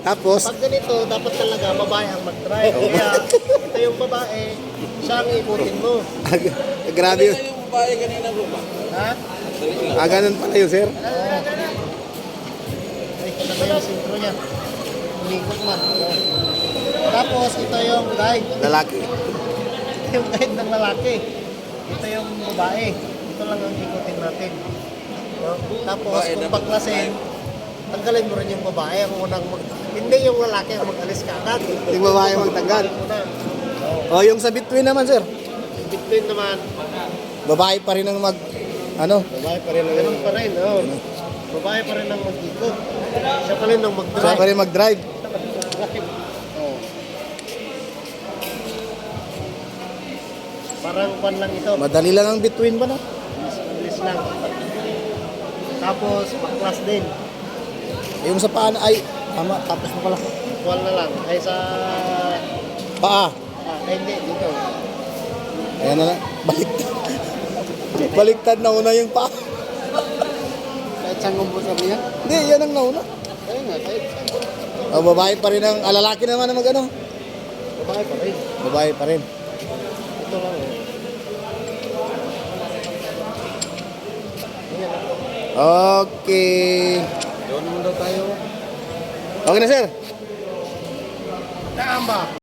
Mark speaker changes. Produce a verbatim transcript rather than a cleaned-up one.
Speaker 1: Tapos,
Speaker 2: Pag ganito, dapat talaga babae ang mag-drive. Kaya ito yung babae, siya ang ikutin mo.
Speaker 1: grabe yun.
Speaker 3: Yung babae kanina bro ba?
Speaker 2: Ha?
Speaker 1: Ah, ganun pala yun, sir.
Speaker 2: Ay, ito na yung sintro niya. Umikot man. Tapos, ito yung guide.
Speaker 1: Lalaki.
Speaker 2: Ito yung guide ng lalaki. Ito yung babae. Ito lang ang ikutin natin. No? Tapos,
Speaker 3: Babae
Speaker 2: kung
Speaker 3: dapat
Speaker 2: baklasin, tanggalin mo rin yung babae. Ang unang mag... Hindi yung lalaki ang mag-alis ka agad.
Speaker 1: Yung babae magtanggal.
Speaker 2: Muna.
Speaker 1: O, yung sa between naman, sir.
Speaker 2: In between naman,
Speaker 1: Babae pa rin ang mag, ano,
Speaker 2: babae pa rin. Ganun pa rin. Oh. Babae pa rin ang mag-ikot. Siya pa rin ang
Speaker 1: siya
Speaker 2: mag-drive.
Speaker 1: pa rin mag-drive.
Speaker 2: Oh. Parang pan lang ito.
Speaker 1: Madali lang ang between ba na?
Speaker 2: Bilis lang. Tapos, baklas din.
Speaker 1: Yung sa paan ay, tama, tapos na pala.
Speaker 2: Wall na lang. Ay sa...
Speaker 1: Paa.
Speaker 2: Ah, ay, hindi. Dito.
Speaker 1: Ayan na lang. Baliktad. Baliktad na una yung paa.
Speaker 2: Kahit saan kumpos sabi niya?
Speaker 1: Hindi, yan ang nauna.
Speaker 2: Ayun nga, kahit saan.
Speaker 1: O, babae pa rin ang, ah, lalaki naman ang mag-ano.
Speaker 2: Babae pa rin.
Speaker 1: Babae pa rin.
Speaker 2: Ito lang. Oh. Ayan.
Speaker 1: Okay.
Speaker 3: Doon naman daw tayo.
Speaker 1: Okay na, sir.
Speaker 2: Tama.